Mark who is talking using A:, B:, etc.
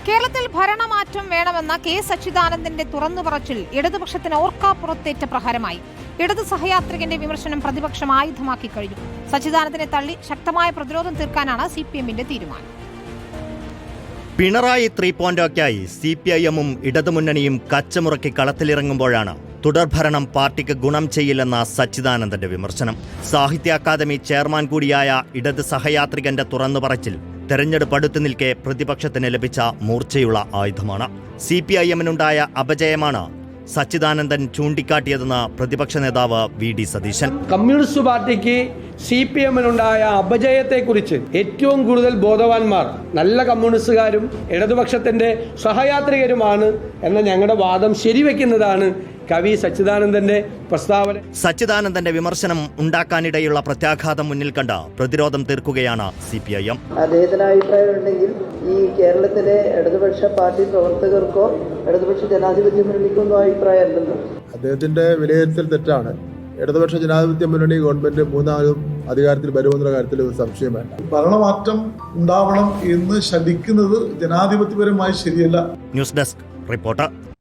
A: കേരളത്തിൽ ഭരണമാറ്റം വേണമെന്ന കെ സച്ചിദാനന്ദന്റെ തുറന്നുപറച്ചിൽ ഇടതുപക്ഷത്തിന് ഓർക്കാപ്പുറത്തേറ്റ പ്രഹരമായി. ഇടതു സഹയാത്രികന്റെ വിമർശനം പ്രതിപക്ഷം ആയുധമാക്കി കഴിഞ്ഞു. സച്ചിദാനന്ദനെ തള്ളി ശക്തമായ പ്രതിരോധം തീർക്കാനാണ് CPM-ന്റെ തീരുമാനം.
B: പിണറായി 3.0ക്കായി CPIM-ഉം ഇടതുമുന്നണിയും കച്ചമുറക്കി കളത്തിലിറങ്ങുമ്പോഴാണ് തുടർഭരണം പാർട്ടിക്ക് ഗുണം ചെയ്യില്ലെന്ന സച്ചിദാനന്ദന്റെ വിമർശനം. സാഹിത്യ അക്കാദമി ചെയർമാൻ കൂടിയായ ഇടത് സഹയാത്രികന്റെ തുറന്നുപറച്ചിൽ തെരഞ്ഞെടുപ്പ് അടുത്തു നിൽക്കെ പ്രതിപക്ഷത്തിന് ലഭിച്ച മൂർച്ചയുള്ള ആയുധമാണ്. CPIM-നുണ്ടായ അപജയമാണ് സച്ചിദാനന്ദൻ ചൂണ്ടിക്കാട്ടിയതെന്ന് പ്രതിപക്ഷ നേതാവ് VD സതീശൻ.
C: കമ്മ്യൂണിസ്റ്റ് പാർട്ടിക്ക് CPM-നുണ്ടായ അപജയത്തെക്കുറിച്ച് ഏറ്റവും കൂടുതൽ ബോധവാന്മാർ നല്ല കമ്മ്യൂണിസ്റ്റുകാരും ഇടതുപക്ഷത്തിന്റെ സഹയാത്രികരുമാണ് എന്ന ഞങ്ങളുടെ വാദം ശരിവെക്കുന്നതാണ് കവി സച്ചിദാനന്ദന്റെ പ്രസ്താവന.
B: സച്ചിദാനന്ദന്റെ വിമർശനം ഉണ്ടാക്കാനിടയുള്ള പ്രത്യാഘാതം മുന്നിൽ കണ്ട പ്രതിരോധം തീർക്കുകയാണ് CPIM.
D: അദ്ദേഹത്തിന് അഭിപ്രായം ഉണ്ടെങ്കിൽ ഈ കേരളത്തിലെ ഇടതുപക്ഷ പാർട്ടി പ്രവർത്തകർക്കോ ഇടതുപക്ഷ ജനാധിപത്യ മുന്നണിക്കോ ഒന്നും അഭിപ്രായമല്ലല്ലോ.
E: അദ്ദേഹത്തിന്റെ വിലയിരുത്തൽ തെറ്റാണ്. ഇടതുപക്ഷ ജനാധിപത്യ മുന്നണി ഗവൺമെന്റ് മൂന്നാമതും അധികാരത്തിൽ വരുമെന്ന കാര്യത്തിൽ ഒരു സംശയം വേണ്ട.
F: ഭരണമാറ്റം ഉണ്ടാവണം എന്ന് ശഠിക്കുന്നത് ജനാധിപത്യപരമായി ശരിയല്ല.
B: News desk reporter.